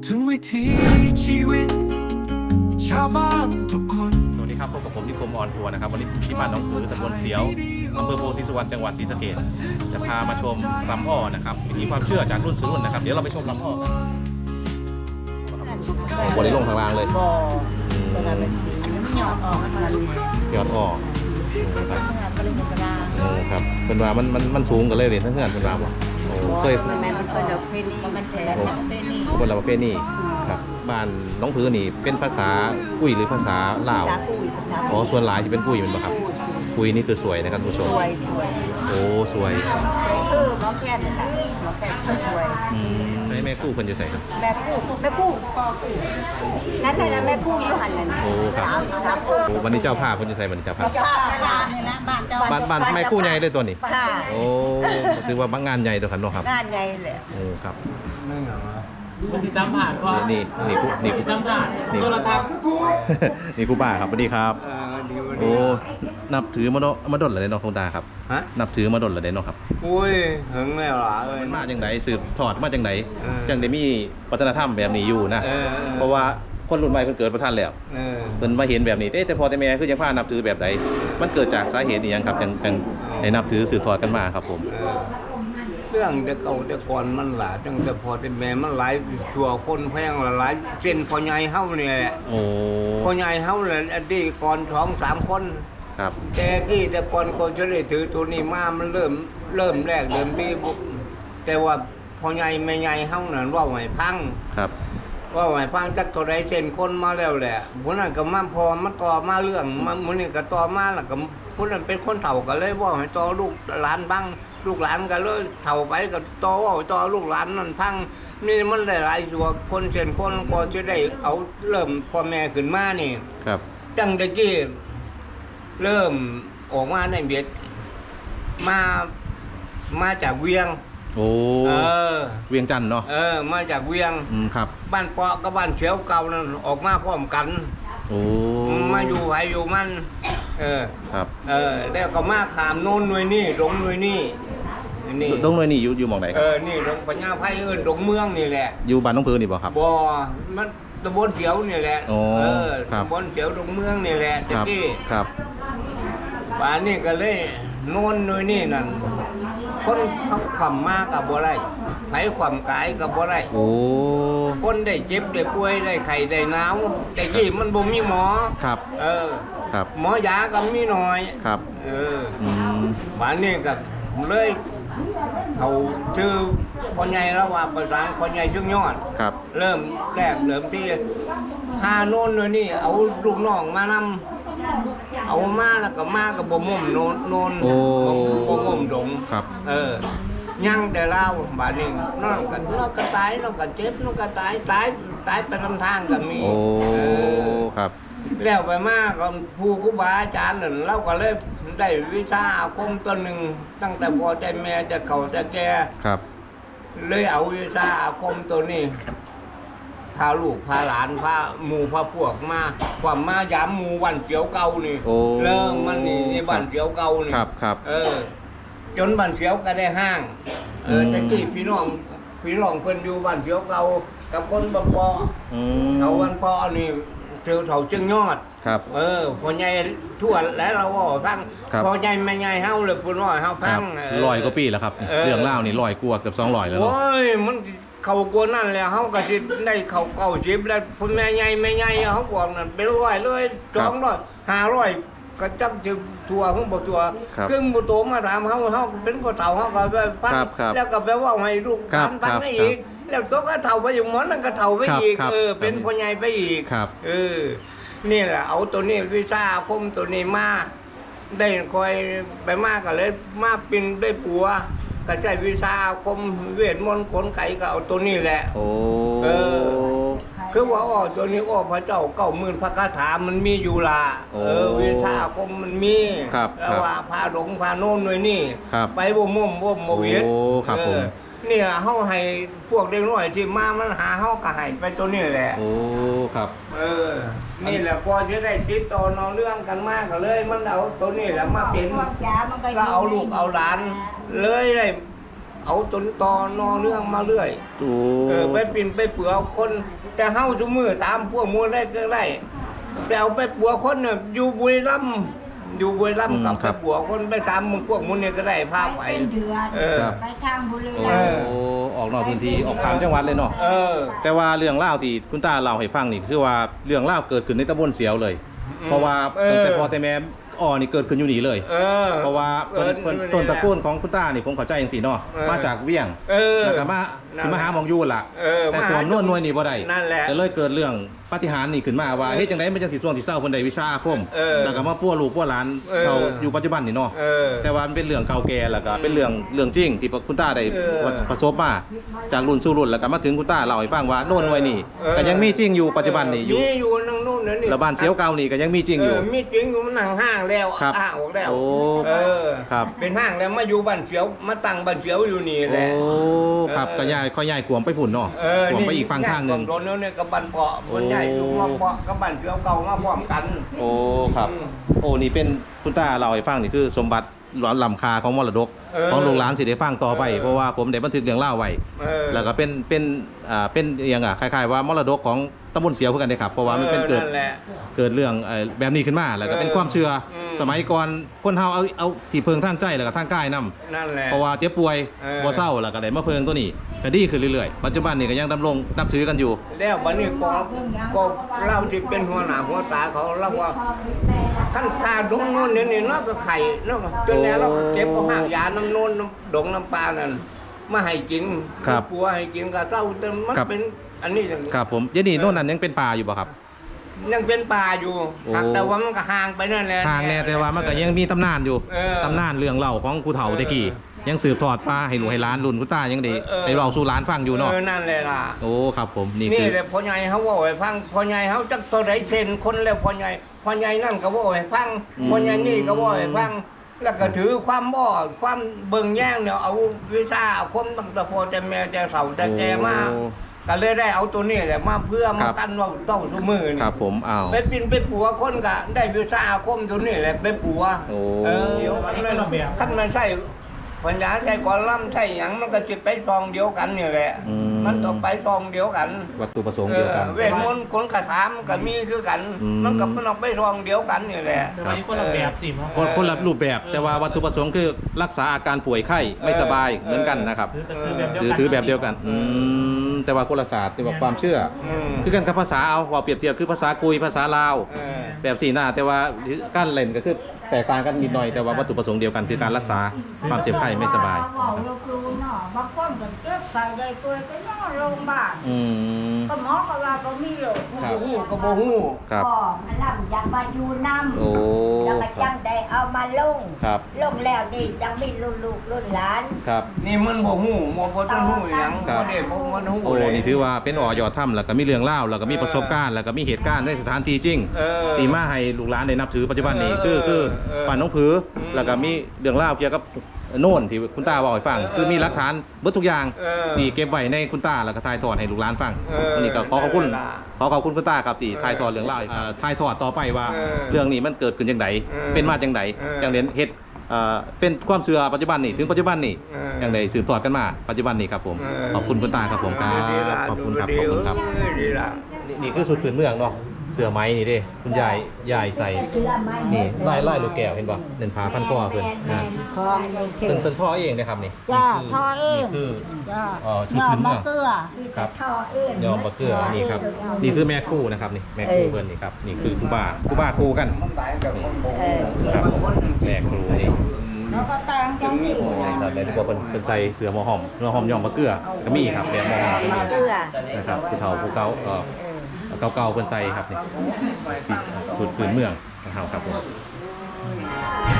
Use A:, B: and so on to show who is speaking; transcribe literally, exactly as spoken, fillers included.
A: ถึงวิถีชีวิตชาวบ้านทุกคน
B: สวัสดีครับพบกับผมนิคมออนทัวร์นะครับวันนี้ที่บ้านหนองผือตำบลเสียวอำเภอโพธิสุวรรณจังหวัดศรีสะเกษจะพามาชมรำอ้อนะครับวิถีความเชื่อจากรุ่นสู่รุ่นนะครับเดี๋ยวเราไปชมรำอ้อกันบริลงทางล่างเลย
C: บ่ตอนนั้นอันนี้หยอดออกมัน
B: ยอดอ้อครับ
C: บริมุกดา
B: โอ้ครับเป็นว่ามันมันมันสูงกันเลยเลยทั้งเพื่อนเป็นว่าบ่โอ้เคย
C: แม่มันเคยเดาเพนี่มันแท้เพนี่
B: คนละประเภทนี่ครับบ้านหน้องผือนี่เป็นภาษากุ้ยหรือภาษาลาว
C: ภาษาปุ้ยภาษา
B: อ๋อส่วนหลายจะเป็นกุ้ยมันบ่ครับกุ้ยนี่คือสวยนะครับผู้ช
C: ส
B: ม
C: วยสวย
B: โอ้สวย
C: คือหมอแก้นค่ะหมอแก้นสวย
B: อืมให้แม่กู้คนจะใส่ครับ
C: แม่กู้แม่กู้นั่นน่ะแม่กู้อยู่หันนั่น
B: โอ้ครับ
C: สามคน
B: โอ้วันนี้เจ้าภาพคนจะใส่วันนี้เจ้าภาพ
C: เจ้าภาพนั่นล่ะนี่ละบ้านเจ้า
B: บ้านบ้านแม่กู้ใหญ่เลยตัวนี้
C: ค่ะ
B: โอ้ถือว่าบางงานใหญ่ตัวขันเนาะครับ
C: งานใหญ่แหละ
B: โอ้ครับ
D: มันที่จำผ่านก็
B: นี่นี่กูนี่กู
D: จำผ่าน
B: นี่
D: โทรทัศน์
B: นี่กูป้าครับสวัสดีครับ
D: เออดีวัน
B: โอ้
D: นี้
B: นับถือมาเนาะมาดนเหรอเนาะคุณตาครับ
D: ฮะ
B: นับถือมาดนเหรอเนาะครับ
D: อุ้ยหึงแล้วล่ะเอ้ย
B: มันมาจังไดสืบทอดมาจังได
D: เออ
B: จังได้มีวัฒนธรรมแบบนี้อยู่นะ
D: เออเออ
B: เพราะว่าคนรุ่นใหม่เพิ่นเกิดประทันแล้ว
D: เออ
B: เพิ่นมาเห็นแบบนี้เอ๊ะแต่พอแต่แม่คือยังพานับถือแบบใดมันเกิดจากสาเหตุอีหยังครับจังจังได้นับถือสืบทอดกันมาครับผม
D: เออเรื่องแต่เก่าแต่ก่อนมันหลายตั้งแต่พอแต่แม่มันหลายชั่วคนแพงหลายเส้นพ่อใหญ่เฮานี่แหละ
B: โอ้
D: พ่อใหญ่เฮาแหละอดีตก่อนสองสามคน
B: ครับ
D: แต่กี้แต่ก่อนก็จะได้ถือตัวนี้มามันเริ่มเริ่มแรกเริ่มดีบุแต่ว่าพ่อใหญ่แม่ใหญ่เฮานั่นเว้าให้พัง
B: ครับ
D: ว่าไหวฟังจักตัวใดเส้นคนมาแล้วแหละผู้นั้นก็มาพอมาต่อมาเรื่องมามื้อนี้ก็ต่อมาแล้วก็ผู้นั้นเป็นคนเฒ่าก็เลยว่าให้ต่อลูกหลานบ้างลูกหลานก็เลยเฒ่าไปก็ต่อว่าต่อลูกหลานนั่นพังนี่มันหลายๆตัวคนเส้นคนก็จะได้เอาเริ่มพ่อแม่ขึ้นมานี่
B: ครับ
D: จังตะกี้เริ่มออกมาในเบียดมามาจากเวียง
B: โอ้
D: เออ
B: เวียงจันทน์เนาะ
D: เออมาจากเวียง
B: อืมครับ
D: บ้านเปาะกับบ้านเฉียวเก่านั่นออกมาพร้อมกัน
B: โอ้
D: มาอยู่ไผอยู่มัน เออ
B: ครับ
D: เออ แล้วก็มาขามโน่นหน่วยนี่ดงหน่วยนี่นี่
B: ดงหน่วยนี่อยู่อยู่หม่องไหนค
D: เอ
B: รับ
D: อ นี่ดงปัญญาไผเอิ้นดงเมืองนี่แหละ
B: อยู่บ้านน้องผือนี่บ่ครับ
D: บ่มันตำบลเฉียวนี่แหละ
B: อ๋อ
D: เออ
B: ครับ
D: ตำบลเฉียวดงเมืองนี่แหละ
B: ค
D: ตะ
B: รับ
D: กี้
B: ครับ
D: ป่านนี้ก็เลยโน่นหน่วยนี่นั่น คนเขาขำมากับบ่ได้ไผขำกายกับบ่ได้
B: โอ้
D: คนได้เจ็บได้ป่วยได้ไข้ได้หนาวแต่กี้มันบ่มีหมอ
B: ครับ
D: เออ
B: ครับ
D: หมอยาก็มีน้อย
B: ครับ
D: เออ
B: อืม
D: บ้านนี้ก็เลยเขาชื่อพ่อใหญ่แล้วว่าภาษาพ่อใหญ่ชื่อยอด
B: ครับ
D: เริ่มแรกเริ่มที่พาโน่นเลยนี่ เอาลูกน้องมานำเอามาแล้วก็มากับบ่ม่มโน่นโน่น
B: โอ้
D: บ่ม่มดง
B: ครับ
D: เออ ยังแต่เล่าบ้านนี้นอนกันนอนก็ตายนอนก็เจ็บนอนก็ตายตายตายไปทำทางก็มี
B: โอ้
D: เออ
B: ครับ
D: แล้วไปมากก็ผู้ครูบาอาจารย์นั่นเราก็เลยได้วิชาอาคมตัวหนึ่งตั้งแต่พ่อแต่แม่จะเก่าจะแก่
B: ครับ
D: เลยเอาวิชาอาคมตัวนี้พาลูกพาหลานพาหมู่พาพวกมาความมายามหมู่วันเกี่ยวเก่านี่
B: โอ้
D: เริ่มมันนี่นี่บ้านเกี่ยวเก่านี่
B: ครับครับ
D: เออ จนบ้านเขียวก็ได้ห้าง เออ
B: อืม
D: แต่กี้พี่น้องพี่น้องเพิ่นอยู่บ้านเขียวเก่ากับคนบ้านปอ
B: อืม
D: เขาบ้านปอนี่เจอเถาจึงยอด
B: ครับ
D: เออพ่อใหญ่ทั่วแล้วเราว่าพัง
B: ครับ
D: พ่อใหญ่แม่ใหญ่เฮาเลยพุ่นว่าเฮา
B: ค
D: พั
B: รับ
D: ง
B: ลอยกว่าปีแล้วครับ
D: เออ
B: เรื่องเล่าวนี่ลอยกว่าเกือบสองร้อยแล้ว
D: โอ้
B: เนาะ
D: ยมันเขากลัวนั่นแหละเฮาก็สิได้เขาเก่าสิบแล้วพ่อแม่ใหญ่แม่ใหญ่เฮาบอกนั่นเป็นร้อยเลยสองร้อยห้าร้อยก็จักสิทั่วของบ่ทั่ว
B: ครับ
D: คือบ่โตมาถามเฮาเฮาเป็นบ่เฒ่าเฮาก็ไปฟัง
B: ครับครับ
D: แล้วก็ไปเว้าให้ลูกห
B: ครั
D: ลา
B: บ
D: นฟัง
B: ครับ
D: ได้อีก แล้วโตก็เฒ่าไปอยู่หมอนั่นก็เฒ่าไป
B: ครับ
D: อีก
B: ครับ
D: เออเป็น
B: ครับ
D: พ่อใหญ่ไปอีก
B: ครับ
D: เออ นี่แหละเอาตัวนี้วิชาอาคมตัวนี้มาได้คอยไปมากก็เลยมาปินได้ปัวก็ใช้วิชาอาคมเวทมนต์ขนไก่ก็เอาตัวนี้แหละ
B: โอ้
D: เออ คือว่าอ๋อตัวนี้อ๋อพระเจ้าเก้าหมื่นพระคาถามันมีอยู่ละเออวิชาอาคมมันมี
B: ครับ
D: แล้วว่าพาหลงพาโน่นหน่วยนี่
B: ครับ
D: ไปบ่ม่มบ่มบ่เวียด
B: โอ้ครับผม
D: เออนี่ล่ะเฮาให้พวกเด็กน้อยที่มามันหาเฮาก็ให้ไปตัวนี้แหละ
B: โอ้ครับ
D: เออ นี่แหละพอจะได้ติดต่อน้องเรื่องกันมากก็เลย มันเอาตัวนี้แหละมาเป็น
C: ยามันก็
D: ก็เอาลูกเอาหลาน เลยได้เอาจนตอนอเรื่องมาเรื่อย
B: โอ้
D: เออไปปิ่นไปเปลือกคน แต่เฮาทุกมือตามพวกมูลได้ก็ได้แต่เอาไปปัวคนเนี่ยอยู่บุรีรัมย์อยู่บุรีรัมย์กับไปปัวคนไปตามมึงพวกมูลเนี่ยก็ได้พาไป
C: เป็นเดือน
D: เออ
C: ไปทางบุรี
B: โอ้
C: รัมย์
B: ออกนอกพื้นที่ออกข้ามจังหวัดเลยเนาะ
D: เออ
B: แต่ว่าเรื่องเล่าวที่คุณตาเล่าให้ฟังนี่คือว่าเรื่องเล่าวเกิดขึ้นในตำบลเสียวเลย
D: อืม
B: เพราะว่า
D: เออ
B: ตั้งแต่พ่อแต่แม่อ่อนี่เกิดขึ้นอยู่นี่เลย
D: เออ
B: เพราะว่าเพิ่นเพิ่นต้นตระกูลของคุณตานี่ผมเข้าใจจังซี่เนาะ
D: เออ
B: มาจากเวียง
D: เออ
B: แล้วก็มาสิมาหาหมองอยู่ล่ะ
D: เออ
B: แต่
D: มา
B: ตัว
D: หา
B: โน่นหน่วยนี่บ่ได้
D: นั่นแหละ
B: ก็เลยเกิดเรื่องปาฏิหาริย์นี่ขึ้นมาว่าเฮ็ดจังได๋มันจังสิช่วงที่เศร้าเพิ่นได้วิชาอาคม
D: เออ
B: แล้วก็มาปั้วลูกปั้วหลาน
D: เออ
B: เขาอยู่ปัจจุบันนี่เนาะ
D: เออ
B: แต่ว่ามันเป็นเรื่องเก่าแก่แล้วก็เป็นเรื่องเรื่องจริงที่คุณตาได้
D: เออ
B: ประสบมาจากรุ่นสู่รุ่นแล้วก็มาถึงคุณตาเล่าให้ฟังว่าโน่นหน่วยนี่
D: เออ
B: ก็ยังมีจริงอยู่ปัจจุบันนี่อยู่
D: มีอยู่นั่งนู่นนั่นนี่
B: แล้วบ้านเสียวเก่านี่ก็ยังมีจริงอยู่
D: เมีจริงอยู่มันนั่งห้างแล้ว
B: ครับ
D: ห้างออกแล้ว
B: โอ้
D: เออ
B: ครับ
D: เป็นห้างแล้วมาอยู่บ้านเสียวมาตั้งบ้านเสียวอยู่นี่แห
B: โอ้
D: ละ
B: ครับ
D: เออ
B: ก็ย้ายค่อยย้ายขวมไปฝุ่นเนาะ
D: เออ
B: ขวม
D: นี่
B: ไปอีกฝั่งข้างหนึง
D: โดนแล้วเนี่ยกับบ้านเปาะ
B: โอ้
D: คนใหญ่อยู่มาเปาะกับบ้านเสียวเก่ามาพร้อมกัน
B: โอ้ครับ
D: อืม
B: โอ้นี่เป็นคุณตาเล่าให้ฟังนี่คือสมบัติหลอนลำคาของมรดก
D: เออ
B: ของลูกหลานสิได้ฟังต่อไป
D: เออ
B: เพราะว่าผมได้บันทึกเรื่องเล่าไว้
D: เออ
B: แล้วก็เป็นเป็นอ่าเป็นอหยังอ่ะคล้ายๆว่ามรดกของตำบลเสียวเพื่อกันเลยครับเพราะว่ามันเป็นเกิด
D: นั่นแหละ
B: เกิดเรื่องเอ่อแบบนี้ขึ้นมาแล้วก็เป็น
D: เออ
B: ความเชื่ออ
D: ม
B: สมัยก่อนคนเฮาเอาเอาที่เพิงทางใจแล้วก็ทางกายนํ
D: นั่นแหละ
B: เพราะว่าเจ็บป่วย
D: เออ
B: บ่เศร้าแล้วก็ได้มาเพิงตัวนี้ก็ดีขึ้นเรื่อยๆปัจจุบันนี่ก็ยังดำรงนับถือกันอยู่
D: แล้วบัดนี้ก็ก็เราที่เป็นหัวหน้าหัวตาเขาเราว่าขั้นตาดงโน่นนี่นี่เนาะก็ไข่เนาะจนแล้วเราก็เก็บเอาหางยาน้ำโน่นน้ำดงน้ำปลานั่นมาให้กิน
B: ครับ
D: ปัวให้กินก็เจ้าเต็มมัน
B: ครับ
D: เป็นอันนี้จัง
B: ครับผมเดี๋ยวนี้โน่นนั้นยังเป็นป่าอยู่บ่ครับ
D: ยังเป็นป่าอยู่
B: โอ้
D: แต่ว่ามันก็ห่างไปนั่นแหละ
B: ทางแน่แต่ว่ามันก็ยังมีตำนานอยู่
D: เออ
B: ตำนานเรื่องเล่าของผู้เฒ่าตะกี้ยังสืบทอดมาให้หนูให้หล้านรุ่นคุณตายังได้
D: เออ
B: ได้เล่าสู่หล้านฟังอยู่เนาะ
D: เออนั่นแหละล่ะ
B: โอ้ครับผมนี่
D: นี่
B: คือ
D: แหละพ่อใหญ่เขาว่าให้ฟังพ่อใหญ่เขาจักตัวใดเซนคนแล้วพ่อใหญ่พ่อใหญ่นั่นก็ว่าให้ฟังพ่อใหญ่นี่ก็ว่าให้ฟัง แล้วก็ถือความบ่ความเบิ่งแย่งเนี่ยเอาวิชาอาคมตั้งแต่พ่อแต่แม่แต่เฒ่าแต่แก่มา
B: โอ้
D: ก็เลยได้เอาตัวนี้แหละมาเพื่อ
B: ค
D: มา
B: รับ
D: กันว่าเต้าทุกมือนี่
B: ครับผมอ้าว
D: ไปปินไปปัวคนก็ได้วิชาอาคมตัวนี้แหละไปปัว
B: โอ้
D: เออเดี๋ยวคันมันคันมันใช่ปัญญาใช่กอลัมใช่หยังมันก็สิไปซองเดียวกันนี่แหละ
B: อืม
D: มันต้องไปซองเดียวกัน
B: วัตถุประสงค์เดียวกัน
D: ออเวทมนต์คนคาถามันก็มีคือกัน
B: อืม
D: มันก็มันออกไปซองเดียวกันนี่แหละ
E: แต่วันนี้คนละแบบสิมั้ง
B: คนคนละรูปแบบแต่ว่าวัตถุประสงค์คือรักษาอาการป่วยไข้ไม่สบายเหมือนกันนะครับ
E: ถือถือแบบเดียว
B: ถือ
E: กัน
B: ถือแบบเดียวกันอืมแต่ว่าคนละศาสตร์แต่ว่าความเชื่อ
D: อืม
B: คือกันกับภาษาเอาว่าเปรียบเทียบคือภาษากุยภาษาลาว
D: เออ
B: แบบสี่หน้าแต่ว่าการเล่นก็คือแตกต่างกันนิดหน่อยแต่ว่าวัตถุประสงค์เดียวกันคือการรักษาความเจ็บไข้ไม่สบาย
C: บอกลูกรู้เนาะบางคนก็เจ็บใส่ได้ป่วยไปนอนโรงพยาบาล
B: อืม
C: ก็หมอก็ว่าบ่มีโรค
B: ครับ
D: บ่ฮู้ก็บ่ฮู้
B: ครับ
C: พ่อมันลำอยากมาอยู่น้ำ
B: โอ้
C: แล้วก็
B: ครั
C: จั
B: บ
C: งได้เอามาลง
B: ครับ
C: ลงแล้วนี่จังมีรุ่นลูกรุ่นหลาน
B: ครับ
D: นี่มันบ่ฮู้บ่บ่ต้องฮู้หยัง
B: ครับ
D: บ่ได้บ่มันฮู้
B: โอ้
D: เลย
B: นี่ถือว่าเป็นอ่อยอดถ้ำแล้วก็มีเรื่องเล่าแล้วก็มีประสบการณ์แล้วก็มีเหตุการณ์ในสถานที่จริง
D: เออ
B: ตีมาให้ลูกหลานได้นับถือปัจจุบันนี้
D: เอ
B: คือ
D: อ
B: คือ
D: เออ
B: ป่านน้องผืออ
D: ม
B: แล้วก็มีเรื่องเล่าวเกี่ยวกับโน่นที่คุณตาบอกให้ฟัง
D: เออ
B: คือมีหลักฐานเบิดทุกอย่าง
D: เออ
B: ที่เก็บไว้ในคุณตาแล้วก็ถ่ายทอดให้ลูกหลานฟัง
D: เออ
B: วันนี้ก็ขอขอบคุณ
D: เวลา
B: ขอขอบคุณคุณตาครับที่
D: เออ
B: ถ่ายทอดเรื่องเล่าวให้ฟังถ่ายทอดต่อไปว่า
D: เออ
B: เรื่องนี้มันเกิดขึ้นจังได
D: เออ
B: เป็นมาจังได
D: เออ
B: จังเรียนเฮ็ดเอ่อเป็นความเชื่อปัจจุบันนี่ถึงปัจจุบันนี่
D: เออ
B: อย่างใดสืบทอดกันมาปัจจุบันนี่ครับผม
D: เออ
B: ขอบคุณคุณตาครับผมครับ
D: ดีละ
B: ขอบคุณครับ
D: ดี
B: ขอบคุณครับ
D: เออดีละ
B: นี่นี่คือสุดพื้นเมืองเนาะเสื้อไหม้นี่เด้คุณยายยายใส่
C: เสื้อไม้
B: นี่ไล่ไล่ลูกแก้วเห็นป่ะเดินผาพันคอเพิ่น
C: แม่
B: นะ
C: นๆของลูกเท
B: เป็น
C: พ
B: เป็นพ่อเองนะครับนี่
C: จ้า
B: นี่คื
C: พ่อเอง
B: นี่คือ
C: จ้า
B: เอ่อชุด
C: ยอ
B: พื้
C: ม
B: นเมื
C: มะ
B: อง
C: เกลือ
B: ครับ
C: ท่อเอง
B: ยอมบะเกลือนี่ครับนี่คือแม่ครู่นะครับนี่แม่ครู่เพิ่นนี่ครับนี่คือครูบาครูบาครูกัน
D: มันหลายกับคนบ่
C: เอ
D: ฮู้
C: อ
B: ครับแม่ครูนี่
C: แล้วก็แต่งจังสี
B: ครับแล้วที่บอกเพิ่นเพิ่นใส่เสื้อหมอหอมหมอหอมยอมบะเกลือก็มีครับแบบหมอหอมก็มี
C: มะเกลือ
B: นะครับผู้เฒ่าผู้เก่าก็
C: เออ
B: เก่าๆเพิ่นใส่ครับนี่ที่ชุดพื้นเมืองของเฮาครับผม